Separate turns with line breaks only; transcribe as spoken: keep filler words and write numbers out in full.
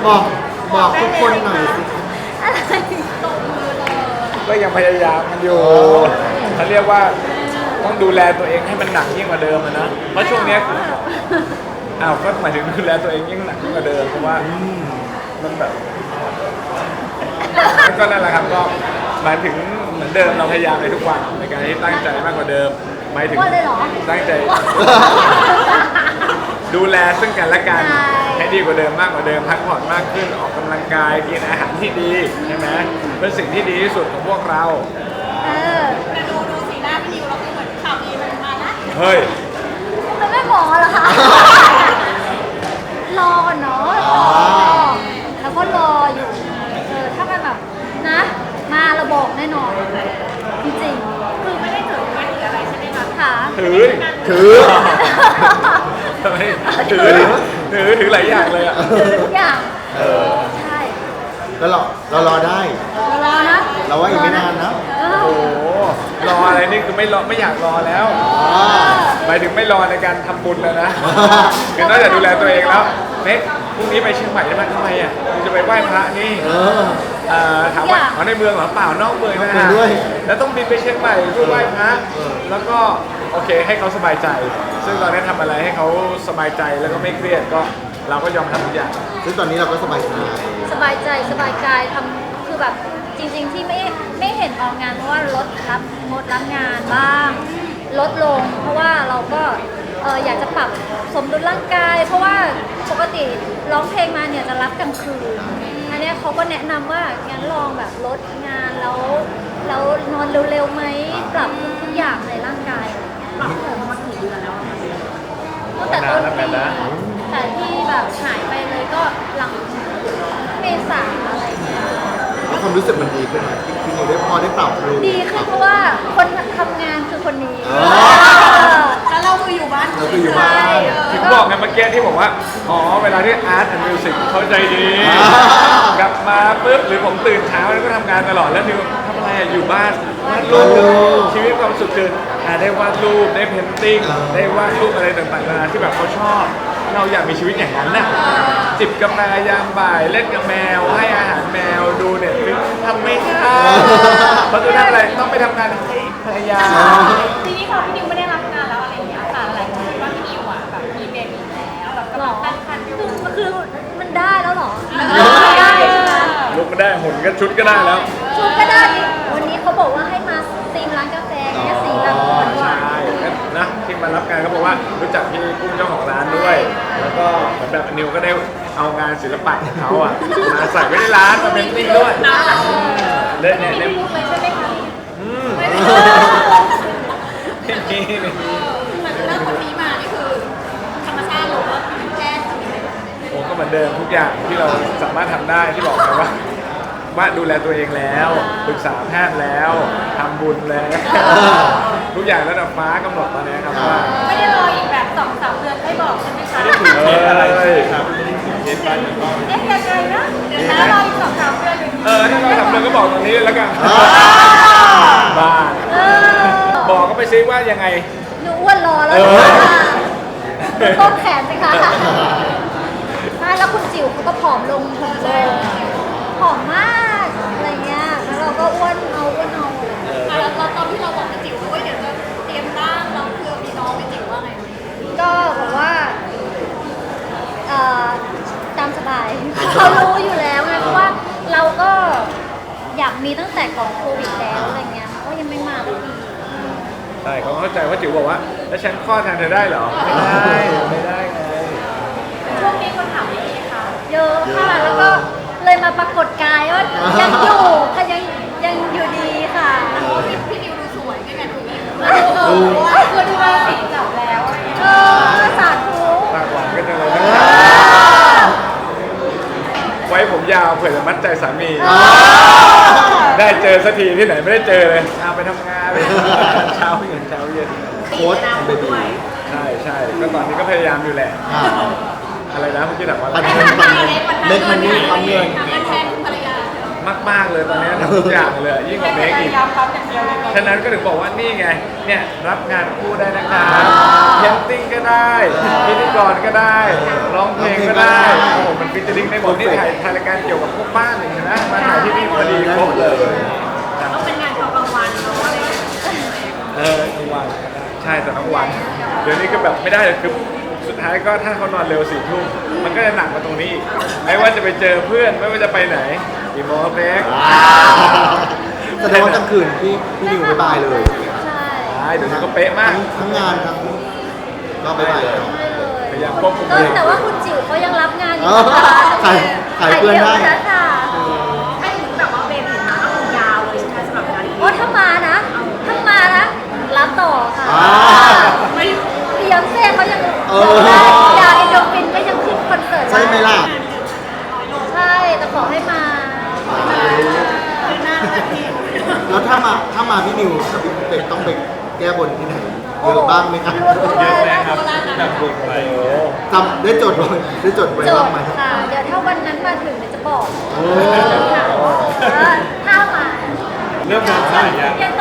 บอกบอกทุกคนหน่อยสิ
ก็ยังพยายามกันอยู่เขาเรียกว่าต้องดูแลตัวเองให้มันหนักยิ่งกว่าเดิมอะนะเพราะช่วงเนี้ยอ้าวก็หมายถึงดูแลตัวเองยิ่งหนักยิ่งกว่าเดิมเพราะว่ามันแบบก็นั่นแหละครับก็หมายถึงเหมือนเดิมเราพยายามในทุกวันในการที่ตั้งใจมากกว่าเดิมหมายถึงตั้งใจ ดูแลซึ่งกันและกันให้ดีกว่าเดิมมากกว่าเดิมพักผ่อนมากขึ้นออกกำลังกายกินอาหารที่ดีใช่ไหมเป็นสิ่งที่ดีที่สุดของพวกเรา
เออ
แต่ดูดูสีหน้าพี่นิวเราก็เหมือนข่าวดีมันมานะ
เฮ้ย
มันไม่หมอเหรอคะ รอก่อนเนาะรอแล้วก็รออยู่เออถ้ามันแบบนะ มาเราบอกแน่นอน จริงๆ
คือไม่ได้ถือไม่ถืออะไรใช่ไหมคะ
ค่ะ
ถือ
ถือ
ทำไมถือถือถือหลายอย่างเลยอ่ะ
ถือทุกอย่างเออใช่
แล้วเราเรารอได้
เรารอนะ
เราว่าอีกไม่นานนะ
เออ
โอ้โหรออะไรนี่คือไม่รอไม่อยากรอแล้ว
อ่า
หมายถึงไม่รอในการทำบุญแล้วนะคือนอกจากดูแลตัวเองแล้วเน็กพรุ่งนี้ไปเชียงใหม่ได้ไหมทำไมอ่ะจะไปไหว้พระนี่
เออ
เอ่อถามว่าอ๋อในเมืองเหรอเปล่านอกเมืองนะ
นอกเมื
ฮะ
องด้วย
แล้วต้องบินไปเชียงใหม่เพื่อไหว้พระ
เออ
แล้วก็โอเคให้เขาสบายใจ ซึ่งตอนนี้ทำอะไรให้เขาสบายใจแล้วก็ไม่เครียดก็เราก็ยอมทำทุกอย่าง
ซึ่งตอนนี้เราก็สบายใจ
สบายใจสบายกายทำคือแบบจริง ๆ ที่ไม่ไม่เห็นออกงานเพราะว่าลดรับงดรับงานบ้าง ลดลง เพราะว่าเราก็เอออยากจะปรับสมดุลร่างกาย เพราะว่าปกติร้องเพลงมาเนี่ยจะรับกลางคืนอันเนี้ยเขาก็แนะนำว่างั้นลองแบบลดงานแล้วแล้วนอนเร็วๆไหมปรับทุกๆอย่างในร่างกายอะไรเงี้ย
ปรับผมมากี่เดือนแล้วอะคะ
ตั้งแต่ต้น
นานแล้ว
ปี
นะ
แต่ที่แบบหายไปเลยก็หลังเมษาอะไรเงี้ย
แล้วความรู้สึกมันดีขึ้นไหมพี่นิวได้พอได้ปรับรู้
ดีขึ้นเพราะว่าคนทำงานคือคนนี้
อ๋อ
แล้วเราคืออยู่บ้าน
เราคืออยู่บ้าน
ใช่
ถึงบอกไงเมื่อกี้ที่บอกว่า อ๋อ เวลาที่อาร์ตแอนด์มิวสิกเขาใจดี
อ่า
กลับมาปุ๊บหรือผมตื่นเช้าแล้วก็ทำงานตลอดแล้วนิวทำอะไรอะอยู่บ้านวาดรูปชีวิตความสุขคืออ่าได้วาดรูปได้เพนติ้งได้วาดรูปอะไรต่างๆนานาที่แบบเขาชอบ เราอยากมีชีวิตอย่างนั้นน่ะจิบกาแฟยามบ่ายเล่นกับแมว ให้อาหารแมวดูเน็ตฟลิกซ์ทำไม่ได้เพราะจะทำอะไรต้องไปทำงานให้ภรรยา
ทีนี้พอพี่นิวไม่ได้รับงานแล้วอะไรอย่างเงี้ยค่ะหลายคนคิดว่าพี่นิวอ่ะแบบมีเบบีแล้วแบบ
หร
กำลั
อง
ตั้งครรภ์อยู่
คือคือมันได้แล้วเหรอ
ได้
ใช่ไหม
ลุกก็ได้หุ่นก็ชุดก็ได้แล้ว
ชุดก็ได้วันนี้เขาบอกว่าให้มาซีมร้านกาแฟแค่สีแบบหวานหวาน
ใช่นะที่มารับงานเขาบอกว่ารู้จักพี่กุ้งเจ้าของร้านด้วย แล้วก็เหมือนแบบนิวก็ได้เอางานศิลปะของเขาอ่ะมาใส่ไว้ในร้านมาเป็นติ้งด้วยเล่นเนี่ยเล่น
พูดเลยใช่ไหมคะ
อืม
ไม่ได้
นี่นี่
เหมือนเริ่มคนนี้มานี่คือธรรมชาติหรือว่าเป็นแพทย์
โอ้ก็เหมือนเดิมทุกอย่างที่เราสามารถทำได้ที่บอกไปว่าว่าดูแลตัวเองแล้วปรึกษาแพทย์แล้วทำบุญแล้วทุกอย่างระดับฟ้ากำหนดตอนนี้ครับว่า
ไม่ได้รออีกแบบสองสามเดือนให้บอกใช่ไหมคะ
เอออะไรครับเห็นไปเห็นไป
เอ๊ะยังไงนะเดี๋ยวนะรออีกสองสามเดือนอย่างนี้
เออถ้าเราทำเลยก็บอกตรงนี้เลยแล้วกันบ้า
เออ
บอกก็ไปซิว่ายังไง
หนูอ้วนรอแล้ว
เออ
ต้นแขนสิคะใช่แล้วคุณจิ๋วเขาก็ผอมลงผอมลงผอมมากอะไรเงี้ยแล้วเราก็อ้วนเอาอ้วนเอา
อ่ะแล้วแล้วตอนที่เราบอกกับจิ๋วว่าเดี๋ยวจะเตรียมร่างเราเพื่อมีน้องเป็นจิ๋วว่าไง
ก็บอกว่าเอ่อตามสบายเขารู้อยู่แล้วไงเพราะว่าเราก็อยากมีตั้งแต่ก่อนโควิดแล้วอะไรเงี้ยก็ยังไม่มาสักที
ใช่เขาเข้าใจว่าจิ๋วบอกว่าแล้วฉันคลอดแทนเธอได้เหรอ ไม่ได้ไม่ได้ไง
ช่วงนี้คนถามเยอะไหมคะ
เยอะค่ะแล้วก็เลยมาปรากฏกายว่ายังอยู่ค่ะยังยังอยู่ดีค่ะ
พี่พี่นิวดูสวยไม่งั้นดูนี่เออคือดูราศีจับแล้วอะไรเงี้ย
เออสาธุ
ปากหวานก็จะเลยนะไว้ผมยาวเผื่อจะมัดใจสามี ได้เจอสักทีที่ไหนไม่ได้เจอเลยเอาไปทำงานไปเช้าเย็นเช้าเย็น
โค้ชเบบี
ใช่ใช่ก็ตอนนี้ก็พยายามอยู่แหละ
อ่า
อะไรนะเมื่อกี้ถามว่าอะไร
ปันเงินปันเงินเล็กมันนี่ปันเงิน
ทำเงินแทนคุณภรรยา
มากๆเลยตอนนี้ทำทุกอย่างเลย ยิ่งกว่าเมคอีก
ย้ำครับอย่างเดียวเลย
ฉะนั้นก็ถึงบอกว่านี่ไง เนี่ยรับงานคู่ได้นะครับเพนติ้งก็ได้พิธีกรก็ได้ร้องเพลงก็ได้โอ้โหมันฟิชเชอริงได้หมดนี่ถ่ายถ่ายรายการเกี่ยวกับพวกบ้านอย่างเงี้ยนะมาถ่ายที่นี่พอดีครบเลย
ต้องเป็นงานตอนกลางวันเนาะอะไรอย่างเงี้ย
เออทั้งวันใช่แต่ทั้งวัน เดี๋ยวนี้ก็แบบไม่ได้เลยคือสุดท้ายก็ถ้าเขานอนเร็วสี่ทุ่มมันก็จะหนักมาตรงนี้อีกไม่ว่าจะไปเจอเพื่อนไม่ว่าจะไปไหนกี่โมงครับเล็ก
แสดงว่ากลางคืนพี่พี่นิวไม่บายเลย
ใช่
ใช่เดี๋ยวนี้ก็เป๊ะมาก
ทั้งทั้งงานทั้งก็ไม่บายเลย
ไม่เลย
พยายามควบคุม
ก็แต่ว่าคุณจิ๋วเขายังรับงานอยู่
อ๋อ
นะคะ
ขายขายเพื่อนได้
ขายเดียวนะคะ
ให้ถึงแบบว่าเบนถึงมาก็คงยาวเลยใช่ไหมสำหรับงานนี้
โอ้ถ้ามานะ ถ้ามานะ รับต่อค่ะ
อ่า
ไม่
พี่ยอนเซ่เขายัง
เออ
ยาเอนโดฟินก็ยังขึ้นคอนเสิร์ต
ใช่ไหมล่ะ
ใช่ แต่ขอให้มา
แล้วถ้ามาถ้ามาพี่นิวกับพี่เป็ดต้องไปแก้บนที่ไหนเยอะบ้างไหมครับ
เยอะเลยครับ
แบบบุกไป
จำได้จดไว้ได้จดไว้
จ
บ้า
บ
งไหม
ค่ะ เดี๋ยวถ้าวันนั้นมาถึงเดี๋ยวจะบอก
โอ้
ค่ะว่าถ้ามา
เริ่มงานสายยัง
ยัง